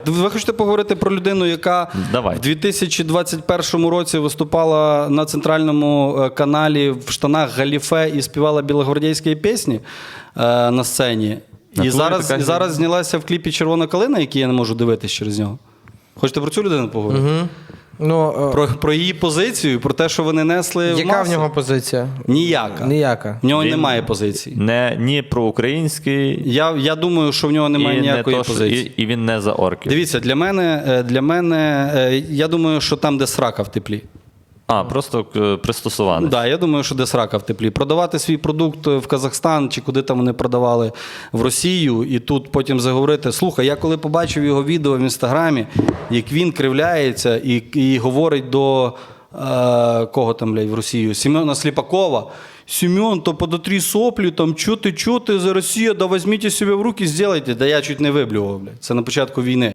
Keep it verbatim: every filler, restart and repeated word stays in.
Ви хочете поговорити про людину, яка Давай. в дві тисячі двадцять першому році виступала на центральному е, каналі в штанах галіфе і співала білогвардійські пісні е, на сцені. На І турі зараз, така і зараз знялася в кліпі «Червона калина», який я не можу дивитись через нього. Хочете про цю людину поговорити? Угу. Ну, е, Про, про її позицію, про те, що вони несли в яка маси? в нього позиція? Ніяка. Ніяка. В нього Він немає позиції. Не, ні про український, Я, я думаю, що в нього немає і, ніякої не то, що- позиції. і, і він не за орків. Дивіться, для мене, е, для мене, е, я думаю, що там, де срака в теплі. А, просто е, пристосуваний. Так, да, я думаю, що де срака в теплі. Продавати свій продукт в Казахстан чи куди там вони продавали в Росію, і тут потім заговорити. Слухай, я коли побачив його відео в інстаграмі, як він кривляється і, і говорить до е, кого там, блядь, в Росію? Семена Сліпакова. Семен, то подотри соплі, там, чо ти, чо ти за Росію, да візьміть себе в руки, зробіть. Да я чуть не виблював, блядь. Це на початку війни.